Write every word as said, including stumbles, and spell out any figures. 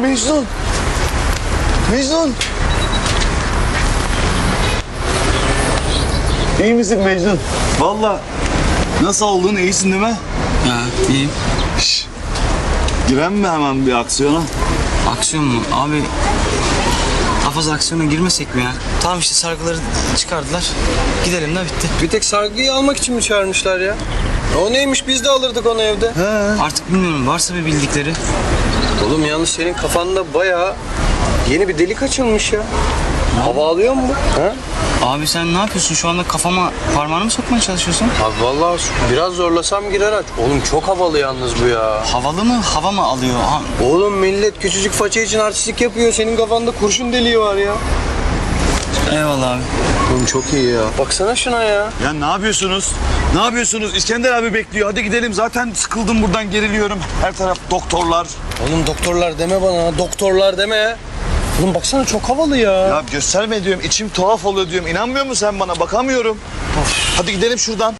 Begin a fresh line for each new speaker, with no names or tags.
Mecnun. Mecnun. İyi misin Mecnun? Vallahi nasıl olduğunu iyisin değil mi?
Ha, iyiyim.
Şş. Giren mi hemen bir aksiyona?
Aksiyon mu? Abi daha fazla aksiyona girmesek mi ya? Tamam işte sargıları çıkardılar. Gidelim de bitti.
Bir tek sargıyı almak için mi çağırmışlar ya? O neymiş, biz de alırdık onu evde.
He.
Artık bilmiyorum, varsa bir bildikleri.
Oğlum yalnız senin kafanda bayağı yeni bir delik açılmış ya. Hava alıyor mu bu? Ha?
Abi sen ne yapıyorsun? Şu anda kafama parmağını mı sokmaya çalışıyorsun?
Abi vallahi biraz zorlasam girer aç. Oğlum çok havalı yalnız bu ya.
Havalı mı? Hava mı alıyor? Ha,
Oğlum millet küçücük faça için artistlik yapıyor. Senin kafanda kurşun deliği var ya.
eyvallah abi.
Oğlum çok iyi ya. Baksana şuna ya.
Ya ne yapıyorsunuz? Ne yapıyorsunuz? İskender abi bekliyor. Hadi gidelim. Zaten sıkıldım buradan, geriliyorum. Her taraf doktorlar.
Oğlum doktorlar deme bana. Doktorlar deme. Oğlum baksana çok havalı ya.
Ya gösterme diyorum. İçim tuhaf oluyor diyorum. İnanmıyor musun sen bana? Bakamıyorum. Of. Hadi gidelim şuradan.